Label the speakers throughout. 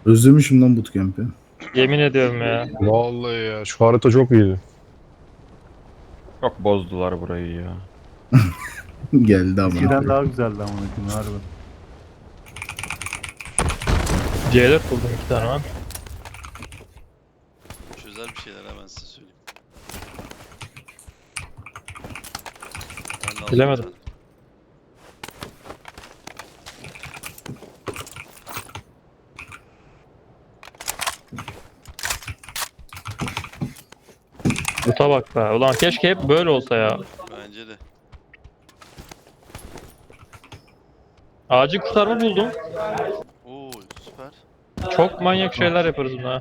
Speaker 1: Özlemişim lan bootcamp'i.
Speaker 2: Yemin ediyorum ya.
Speaker 3: Vallahi ya şu harita çok iyiydi.
Speaker 4: Çok bozdular burayı ya.
Speaker 1: Geldi ama.
Speaker 5: Eskiden daha güzeldi amına koyayım harbi.
Speaker 2: C4 buldum 2 tane lan.
Speaker 6: Çözer bir şeyler hemen size söyleyeyim. Ben de aldım
Speaker 2: Bilemedim.
Speaker 6: bir tane.
Speaker 2: Buta bak be. Ulan keşke hep böyle olsa ya.
Speaker 6: Bence de.
Speaker 2: Acil kurtarma buldum.
Speaker 6: Oo süper.
Speaker 2: Çok manyak şeyler yaparız buna.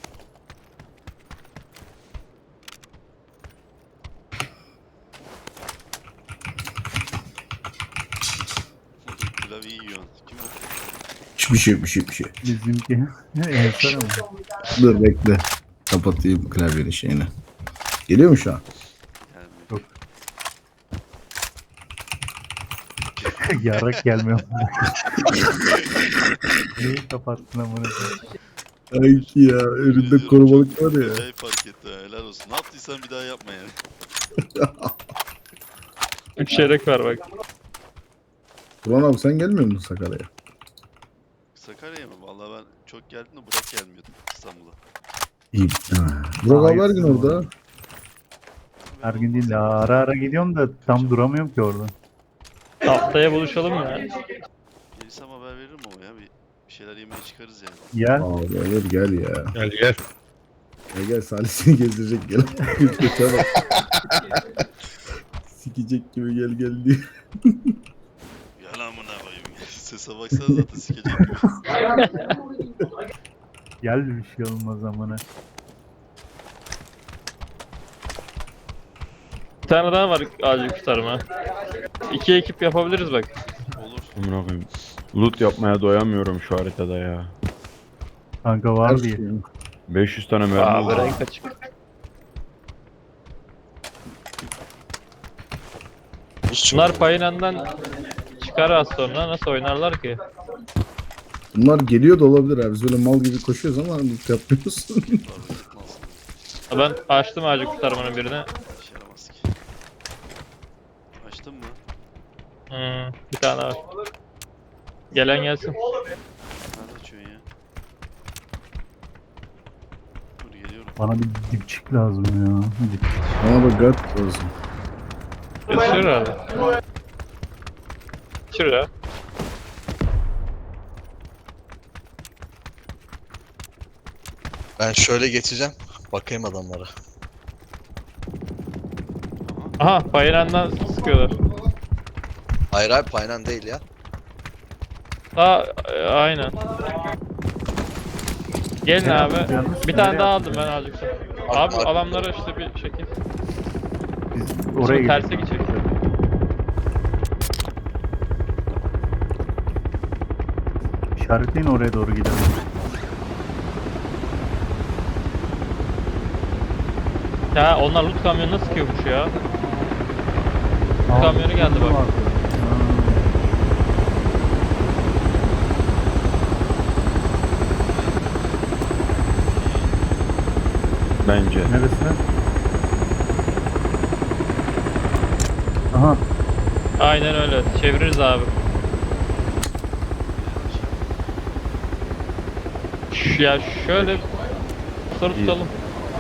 Speaker 6: Klavyeyi yiyorsun. Kim o?
Speaker 1: Bir şey.
Speaker 5: Bizimki. Ensar ama.
Speaker 1: Dur bekle. Kapatayım klavyenin şeyini. Geliyor mu şu an?
Speaker 6: Yani
Speaker 5: Yarak gelmiyor. Neyi kapattın amına koyayım?
Speaker 1: Sanki ya. Önünde korumalık var ya.
Speaker 6: acayip fark etti ha. Helal olsun. Ne yaptıysan bir daha yapma yani.
Speaker 2: 3 çeyrek var bak.
Speaker 1: Ulan abi sen gelmiyor musun Sakarya'ya?
Speaker 6: Sakarya'ya mı? Vallahi ben çok geldim de Burak gelmiyordu İstanbul'a.
Speaker 1: İyi. Burak abi her gün orada.
Speaker 5: Her gün değil de ara ara gidiyorum da tam duramıyorum ki orada.
Speaker 2: Haftaya buluşalım ya.
Speaker 6: Gelirsem haber veririm ama ya. Bir şeyler yemeye çıkarız yani.
Speaker 5: Ya
Speaker 1: Abi olur gel ya.
Speaker 3: Gel gel.
Speaker 1: Gel Salih seni gezdirecek gel. Kötüye bak. Sikecek gibi gel diye.
Speaker 6: Gel amına koyayım. Sese baksana zaten sikecek gibi.
Speaker 5: gel bir şey olmaz amına.
Speaker 2: Bir tane daha var acil kurtarma. 2 ekip yapabiliriz bak.
Speaker 6: Olur.
Speaker 4: Amına koyayım. Loot yapmaya doyamıyorum şu haritada ya.
Speaker 5: Kanka var diye.
Speaker 4: 500 tane mermi
Speaker 2: Aa
Speaker 4: oldu.
Speaker 2: renk açık. Bunlar payınandan çıkar az sonra nasıl oynarlar ki?
Speaker 1: Bunlar geliyor da olabilir abi. Biz böyle mal gibi koşuyoruz ama loot yapmıyoruz.
Speaker 6: Pardon yapmaz.
Speaker 2: Ben açtım acil kurtarmanın birini.
Speaker 6: İşe yaramaz ki. Açtın mı?
Speaker 2: Bir tane var. Gelen gelsin.
Speaker 6: Nerede açıyorsun ya? Dur geliyorum.
Speaker 5: Bana bir dipçik lazım ya. Dipçik.
Speaker 1: Ama bak gat olsun.
Speaker 2: Yetişir herhalde. Yetişir ya.
Speaker 7: Ben şöyle geçeceğim. Bakayım adamlara.
Speaker 2: Aha payınandan sıkıyorlar.
Speaker 7: Hayır abi paylan değil ya.
Speaker 2: Aynen. Gelin abi.
Speaker 5: Yalnız
Speaker 2: Bir tane
Speaker 5: nereye
Speaker 2: daha
Speaker 5: attın
Speaker 2: aldım ben
Speaker 5: ya?
Speaker 2: acil. Abi adamlara işte bir şekil.
Speaker 5: Biz oraya
Speaker 2: terse
Speaker 5: gidelim.
Speaker 2: gidecek.
Speaker 5: İşaretleyin oraya doğru gidelim.
Speaker 2: Ya onlar loot kamyonuna sıkıyormuş ya. Kamyonu geldi bak.
Speaker 5: Vardı.
Speaker 4: Bence.
Speaker 5: Neresine? Aha.
Speaker 2: Aynen öyle. Çeviririz abi. Ya şöyle soru tutalım.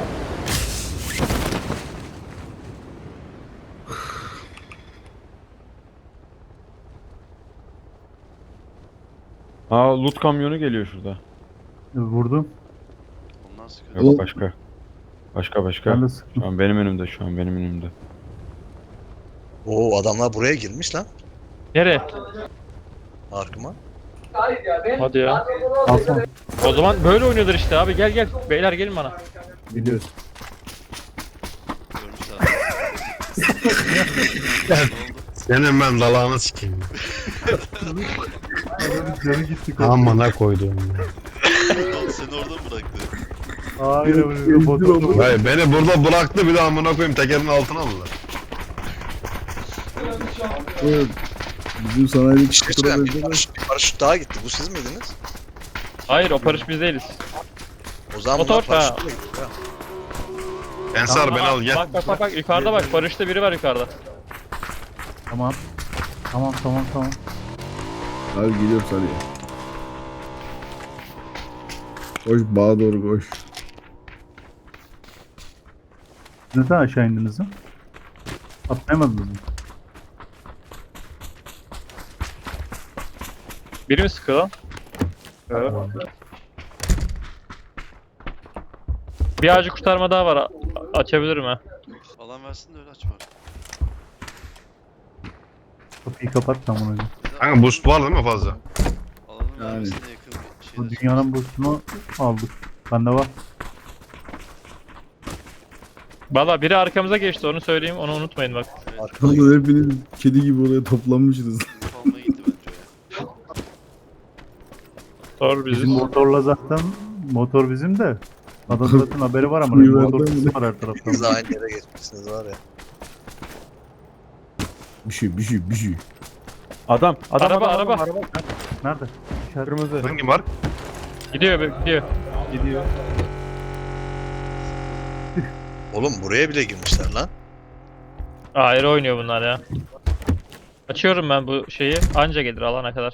Speaker 4: Aa loot kamyonu geliyor şurada.
Speaker 5: Vurdum.
Speaker 6: Ondan sıkıntı.
Speaker 4: Yok
Speaker 1: Oğlum.
Speaker 4: başka. Başka.
Speaker 5: Ben de
Speaker 4: Şu
Speaker 5: sıktım.
Speaker 4: an benim önümde.
Speaker 7: Oo adamlar buraya girmiş lan.
Speaker 2: Nereye?
Speaker 7: Arkıma.
Speaker 2: Hadi ya.
Speaker 5: Alsana.
Speaker 2: O zaman böyle oynuyorlar işte abi. Gel. Beyler gelin bana.
Speaker 1: Biliyoruz.
Speaker 6: Görmüşler. Ne oldu?
Speaker 3: Senin ben dalağını sikeyim.
Speaker 5: Adamın canı gitti.
Speaker 3: Amına koydum.
Speaker 6: Oğlum seni orada mı bıraktı?
Speaker 5: Hayır öyle bot.
Speaker 3: Hayır beni burada bıraktı bir de amına koyayım tekerin altına aldılar.
Speaker 1: Evet. Bizim sanayideki
Speaker 7: Bir şey
Speaker 1: kutura
Speaker 7: söyleyeyim. Bir
Speaker 1: benzer.
Speaker 7: paraşüt daha gitti. Bu siz miydiniz?
Speaker 2: Hayır o paraşüt biz değiliz.
Speaker 7: O zaman
Speaker 2: Motor,
Speaker 7: bunlar paraşütle gitti ya.
Speaker 3: Ensar beni
Speaker 2: Aa,
Speaker 3: al gel.
Speaker 2: Bak yukarıda bak paraşütte biri var yukarıda.
Speaker 5: Tamam. Tamam.
Speaker 1: Abi geliyorum Salih. Koş bağa doğru koş.
Speaker 5: Neden aşağı indiniz lan? Atlayamadınız mı?
Speaker 2: Biri mi sıkıyor lan? Evet. Bir ağacı kurtarma daha var. Açabilirim ha.
Speaker 6: Alan versin de öyle aç bari.
Speaker 5: Kapıyı kapat tam ona göre.
Speaker 3: Kanka boost var değil mi fazla?
Speaker 6: Alanın
Speaker 1: Yani.
Speaker 6: vermesine yakın bir şey.
Speaker 5: Bu dünyanın boostunu aldık. Bende var.
Speaker 2: Valla biri arkamıza geçti onu söyleyeyim onu unutmayın bak.
Speaker 7: Arkada
Speaker 1: Oğlum hepiniz kedi gibi oraya toplanmışsınız.
Speaker 6: Almaya gitti bence o ya.
Speaker 2: Doğru
Speaker 5: Bizim
Speaker 2: biziz.
Speaker 5: motorla zaten motor bizim de. Adam zaten haberi var ama
Speaker 1: Suyu
Speaker 5: motor
Speaker 1: verdi mi?
Speaker 5: sesi var her taraftan.
Speaker 7: Siz aynı yere geçmişsiniz var ya.
Speaker 1: Bir şey.
Speaker 4: Adam.
Speaker 2: Araba.
Speaker 5: Nerede? İşaret.
Speaker 4: Kırmızı.
Speaker 3: Hangi mark?
Speaker 2: Gidiyor.
Speaker 4: Gidiyor.
Speaker 7: Oğlum buraya bile girmişler lan.
Speaker 2: Ayrı oynuyor bunlar ya. Açıyorum ben bu şeyi. Anca gelir alana kadar.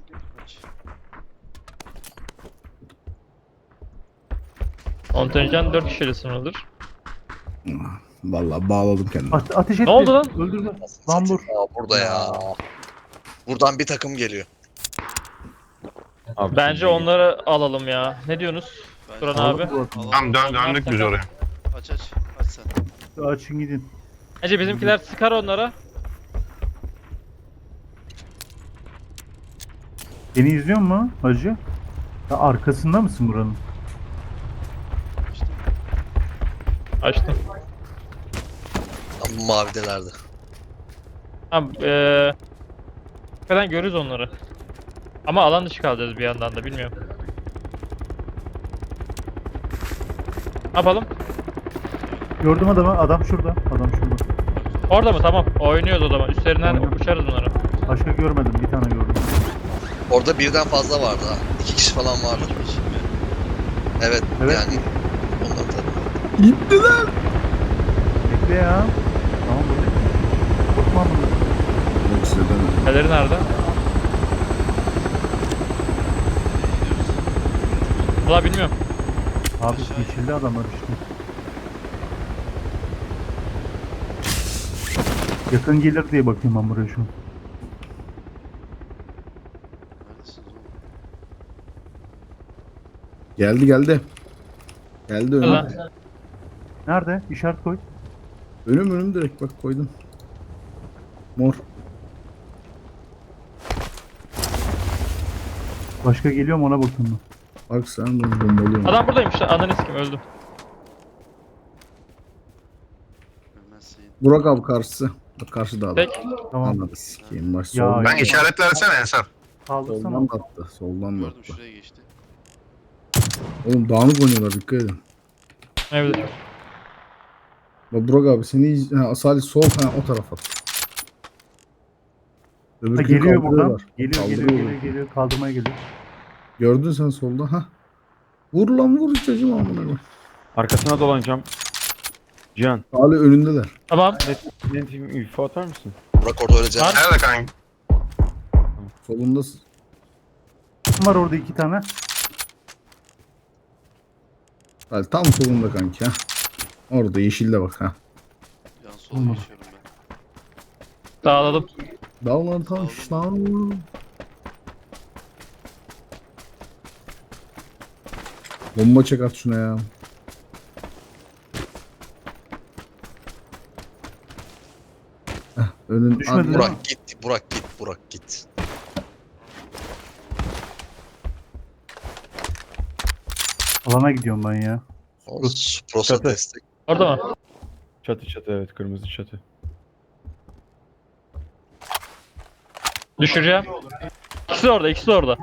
Speaker 2: Kontenjan 4 kişiyle sınırlıdır.
Speaker 1: Vallahi bağladım kendimi.
Speaker 5: Ateş etti.
Speaker 2: Ne oldu lan?
Speaker 5: Öldürdü. Lan dur.
Speaker 7: Aa, burada ya. Buradan bir takım geliyor.
Speaker 4: Abi,
Speaker 2: Bence onları alalım ya. Ne diyorsunuz?
Speaker 6: Bence
Speaker 2: Turan
Speaker 5: Aldık
Speaker 2: abi.
Speaker 5: bu adamı.
Speaker 3: Tamam döndük biz oraya.
Speaker 6: Aç. Aç sen.
Speaker 5: Açın gidin.
Speaker 2: Bence bizimkiler sıkar onlara.
Speaker 5: Beni izliyor mu hacı? Ya arkasında mısın buranın?
Speaker 2: Açtım.
Speaker 7: Tam bu mavidelerde.
Speaker 2: Tamam hakikaten görürüz onları. Ama alan dışı kalacağız bir yandan da bilmiyorum. Ne yapalım?
Speaker 5: Gördüm adamı. Adam şurada.
Speaker 2: Orada mı? Tamam. Oynuyoruz o zaman. Üstlerinden
Speaker 5: Tamam.
Speaker 2: uçarız bunları.
Speaker 5: Başka görmedim. Bir tane gördüm.
Speaker 7: Orada birden fazla vardı ha. 2 kişi falan vardı. Evet,
Speaker 5: Evet.
Speaker 7: yani. Onlar tabii.
Speaker 1: Gittiler.
Speaker 5: Bekle ya. Tamam buradayım. Korkma bunu.
Speaker 1: Yok size demedim.
Speaker 2: Neleri nerede? Valla bilmiyorum.
Speaker 5: Abi geçildi adamlar işte. Yakın gelir diye bakıyorum ben buraya şu an.
Speaker 6: Neredesiniz oğlum?
Speaker 1: Geldi. Geldi önüm.
Speaker 2: Ulan.
Speaker 5: Nerede? İşaret koy.
Speaker 1: Önüm direkt bak koydum. Mor.
Speaker 5: Başka geliyor mu ona bakıyorum ben.
Speaker 1: Bak sen bunu bombalıyorum.
Speaker 2: Adam buradaymış. Ananı sikim öldüm.
Speaker 6: Ölmezsin.
Speaker 1: Burak abi karşısı. Bak karşıda adam.
Speaker 2: Tek.
Speaker 5: Tamam.
Speaker 1: Anladı sikeyim. Baş
Speaker 5: Ya,
Speaker 1: soldan.
Speaker 3: Ben işaret versene Ensar.
Speaker 5: Kaldırsana.
Speaker 1: Soldan da attı. Soldan da
Speaker 6: Gördüm
Speaker 1: attı.
Speaker 6: şuraya geçti.
Speaker 1: Oğlum dağınık oynuyorlar dikkat edin.
Speaker 2: Evet.
Speaker 1: Bak Burak abi seni Salih sol o tarafa.
Speaker 5: Ha,
Speaker 1: Öbürkünü
Speaker 5: geliyor buradan.
Speaker 1: kaldırıyorlar.
Speaker 5: Geliyor.
Speaker 1: Kaldırıyorlar.
Speaker 5: Kaldırmaya geliyor.
Speaker 1: Gördün sen solda ha. Vur lan vur çocuğum amına koyayım.
Speaker 4: Arkasına dolanacağım. Cihan.
Speaker 1: Salih önündeler.
Speaker 2: Tamam.
Speaker 4: Net info atar mısın?
Speaker 7: Burak orada öyle canım.
Speaker 2: Var.
Speaker 3: Nerede kanka?
Speaker 1: Solundasın.
Speaker 5: Var orada 2 tane.
Speaker 1: Salih tam solunda kanki ha. Orada yeşilde bak ha.
Speaker 6: Yan sola
Speaker 5: Olmaz.
Speaker 6: geçiyorum ben.
Speaker 2: Dağılalım.
Speaker 1: Dağlan taş lan. Bomba çek at şuna ya. Önün
Speaker 5: Düşmedi
Speaker 1: Abi,
Speaker 5: değil mi?
Speaker 7: Burak git.
Speaker 5: Alana gidiyorum ben ya.
Speaker 7: O Prosa
Speaker 4: Çatı.
Speaker 7: destek.
Speaker 2: Orada mı?
Speaker 4: Çatı evet kırmızı çatı.
Speaker 2: Düşüreceğim. İkisi de orada.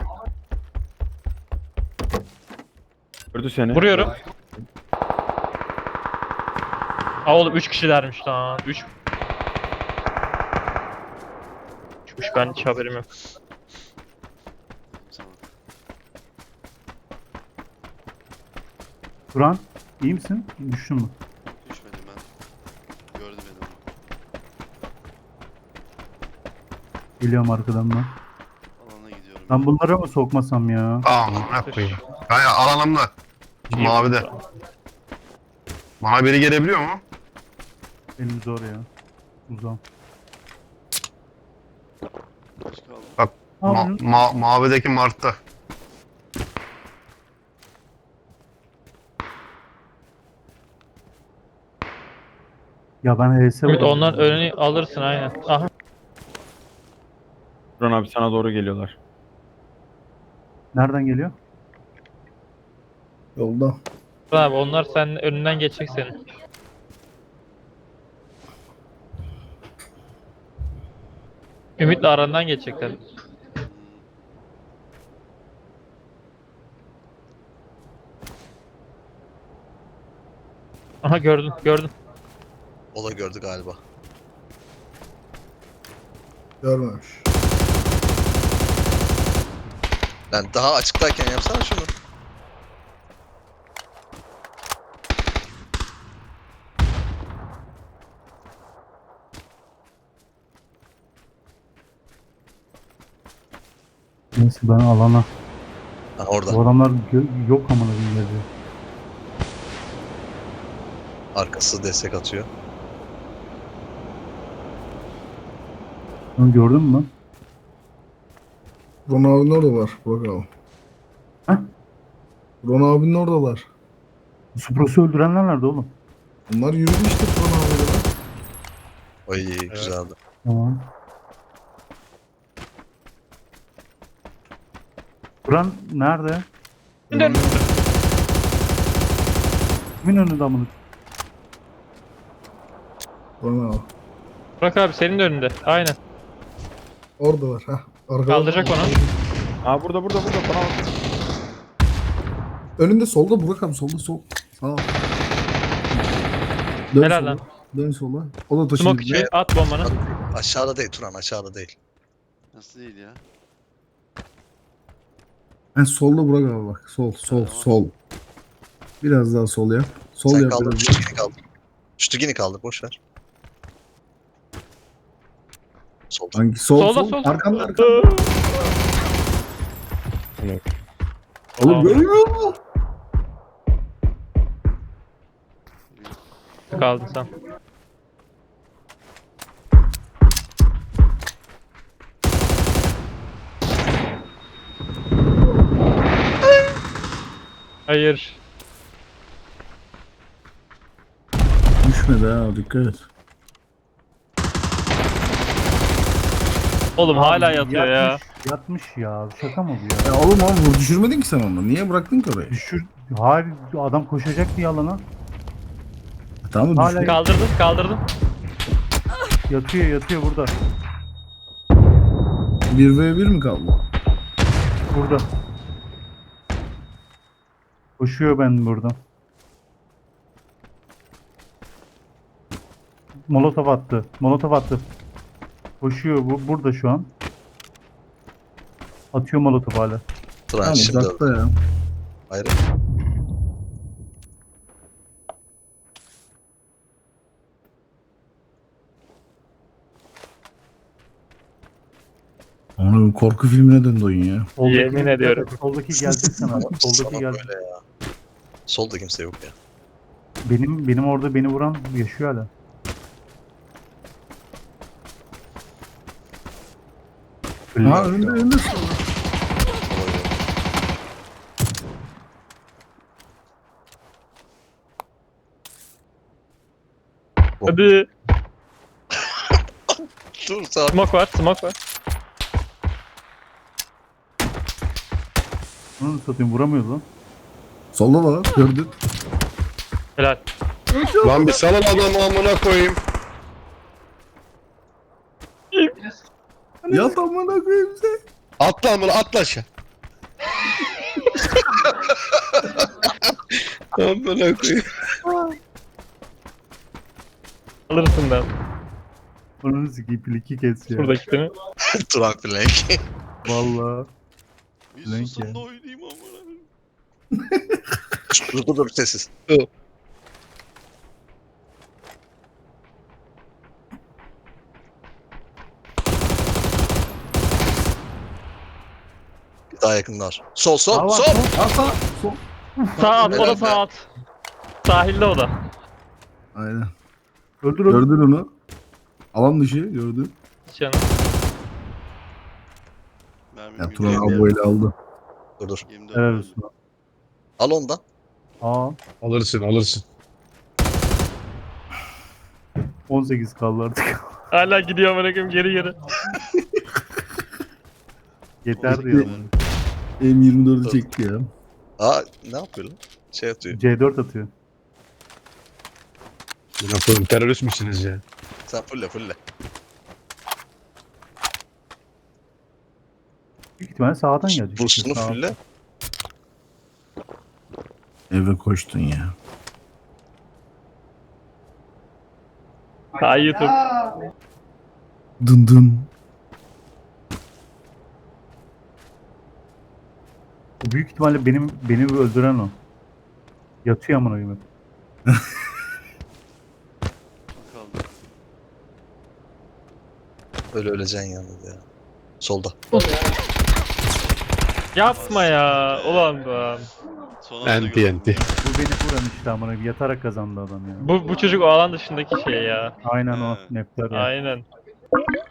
Speaker 4: Gördü seni.
Speaker 2: Vuruyorum. Aa oğlum 3 kişilermiş lan. 3. Çıkmış ben hiç haberim yok.
Speaker 6: Sana.
Speaker 5: Turan iyi misin? Düştün mü?
Speaker 6: Düşmedim ben. Gördü beni ama.
Speaker 5: Geliyorum arkadan ben.
Speaker 6: Alana gidiyorum.
Speaker 5: Ben bunları mı sokmasam ya?
Speaker 3: Amına koyayım. Hayır alanımda. Mavide. Bana biri gelebiliyor mu?
Speaker 5: Benim zor ya. Uzam.
Speaker 6: Kaç kaldı?
Speaker 5: Abi,
Speaker 3: Mavideki Mart'ta.
Speaker 5: ya ben HS
Speaker 2: Ümit
Speaker 5: vurdum.
Speaker 2: onların önünü alırsın aynen. Aha.
Speaker 4: Turan abi sana doğru geliyorlar.
Speaker 5: Nereden geliyor?
Speaker 1: Yolda.
Speaker 2: Abi onlar senin önünden geçecek senin. Ümit'le arandan geçecekler. Aha gördün gördün.
Speaker 7: O da gördü galiba.
Speaker 1: Görmemiş.
Speaker 7: Yani daha açıktayken yapsana şunu.
Speaker 5: Neyse ben alana.
Speaker 7: Ha, orada.
Speaker 5: Bu adamlar yok amına koyayım.
Speaker 7: Arkası destek atıyor.
Speaker 5: Onu gördün mü?
Speaker 1: Ron abinin orada var. Burak abi.
Speaker 5: Heh?
Speaker 1: Ron abinin oradalar.
Speaker 5: Supros'u öldürenler nerede oğlum?
Speaker 1: Bunlar yürüdü işte Ron abiyle lan.
Speaker 7: Ay güzeldi.
Speaker 5: Tamam. Turan nerede?
Speaker 2: Dön.
Speaker 5: Kimin önünde amına?
Speaker 1: Ron abi.
Speaker 2: Bırak abi senin de önünde. Aynen.
Speaker 1: Oradalar. Ha. Arkada.
Speaker 2: Kaldıracak onu.
Speaker 4: Aa burada bana bak.
Speaker 1: Önünde solda Burak abi. Solda sol. Sağ ol. Dön
Speaker 2: Helal
Speaker 1: sola.
Speaker 2: lan.
Speaker 1: Dön sola. O da taşın
Speaker 2: Smoke
Speaker 1: dibine.
Speaker 2: içi at bombanı.
Speaker 7: Aşağıda değil Turan, aşağıda değil.
Speaker 6: Nasıl değil ya?
Speaker 1: Ha, solda Burak abi bak. Sol.
Speaker 6: Tamam.
Speaker 1: Sol. Biraz daha sol yap. Sol
Speaker 7: Sen
Speaker 1: yap
Speaker 7: kaldır,
Speaker 1: biraz.
Speaker 7: Şütügini kaldır. Şütügini kaldır, boş ver. Solda.
Speaker 1: Hangi sol?
Speaker 2: Solda,
Speaker 1: Sol.
Speaker 2: sol.
Speaker 1: Arkamda arkamda. Oğlum
Speaker 2: Tamam.
Speaker 1: görmüyor musun?
Speaker 2: Kaldın sen. Hayır.
Speaker 1: Düşmedi ha, dikkat et.
Speaker 2: Oğlum hala yatıyor ya.
Speaker 5: Yatmış ya. Şaka mı bu ya?
Speaker 1: Ya oğlum abi düşürmedin ki sen onu. Niye bıraktın ki orayı?
Speaker 5: Düşür. Hayır adam koşacak diye alana.
Speaker 1: Tamam mı?
Speaker 5: Hala
Speaker 1: Düştü.
Speaker 2: Kaldırdın.
Speaker 5: yatıyor burada.
Speaker 1: 1v1 mi kaldı?
Speaker 5: Burada. Koşuyor ben buradan. Molotov attı. Koşuyor bu burada şu an. Atıyor molotov hala.
Speaker 7: Turan
Speaker 1: Tamam
Speaker 7: şimdi
Speaker 1: uzakta ya.
Speaker 7: Hayır.
Speaker 1: Onun korku filmine döndü oyun ya.
Speaker 2: Yemin ediyorum.
Speaker 5: Soldaki gelecek sana. Soldaki
Speaker 7: Sana
Speaker 5: gelecek.
Speaker 7: böyle ya. Solda kimse yok ya.
Speaker 5: Benim orada beni vuran yaşıyor hala.
Speaker 1: Ha önünde sonra.
Speaker 2: Hadi.
Speaker 7: Dur sağ.
Speaker 2: Smoke var.
Speaker 5: Onu satayım vuramıyoruz lan.
Speaker 1: Solda da var gördün.
Speaker 2: Helal.
Speaker 3: Lan bir salın adamı amına koyayım.
Speaker 1: Ya amına koyayım sen.
Speaker 3: Atla amına atla aşağı. Amına koyayım.
Speaker 2: Alırsın ben.
Speaker 5: Onu sikeyim pliki kes ya.
Speaker 2: Buradaki değil mi?
Speaker 7: Turan flank.
Speaker 5: Vallahi.
Speaker 6: Bir
Speaker 5: Blank
Speaker 6: susun
Speaker 5: ya.
Speaker 6: da oynayayım amına.
Speaker 7: Dur sessiz. Bir daha yakınlar. Sol sol
Speaker 5: Aa, var,
Speaker 7: sol.
Speaker 1: Asa. Sol.
Speaker 2: Sağ at, o da
Speaker 7: Helal
Speaker 2: sağ
Speaker 7: be.
Speaker 2: at. Sahilde o da.
Speaker 1: Aynen.
Speaker 5: Öldür öldür.
Speaker 1: Gördün onu. Alan dışı gördün.
Speaker 2: Canım.
Speaker 6: Mermim
Speaker 1: Ya
Speaker 6: gidiyor.
Speaker 1: Turan abi böyle aldı.
Speaker 7: Dur.
Speaker 6: 24
Speaker 5: Helal
Speaker 6: oldu.
Speaker 5: olsun.
Speaker 7: Al ondan.
Speaker 5: Aa
Speaker 3: Alırsın alırsın.
Speaker 5: 18 kaldı artık.
Speaker 2: Hala gidiyor amına koyayım geri.
Speaker 5: Yeter diyor.
Speaker 1: M24'ü çekti ya.
Speaker 7: Aa ne yapıyor lan? Şey atıyor.
Speaker 5: C4 atıyor.
Speaker 3: Ne yapalım terörist misiniz ya?
Speaker 7: Sen fulle.
Speaker 5: Büyük ihtimalle sağdan gelecek.
Speaker 7: Bursunu
Speaker 5: Sağ-
Speaker 7: fulle.
Speaker 1: Eve koştun ya.
Speaker 2: Hay YouTube.
Speaker 1: Dın dın.
Speaker 5: Büyük ihtimalle beni öldüren o. Yatıyor amına koyayım.
Speaker 6: Kaldı.
Speaker 7: Öyle öleceksin yalnız ya. Solda.
Speaker 2: Yapma ya. Ulan be.
Speaker 6: Son anda
Speaker 3: Enti
Speaker 6: gördüm.
Speaker 3: enti.
Speaker 5: Bu beni vuran işte amına koyayım. Yatarak kazandı adam ya.
Speaker 2: Bu çocuk o alan dışındaki şey ya.
Speaker 5: Aynen o.
Speaker 6: He.
Speaker 5: Nefter ya.
Speaker 2: Aynen.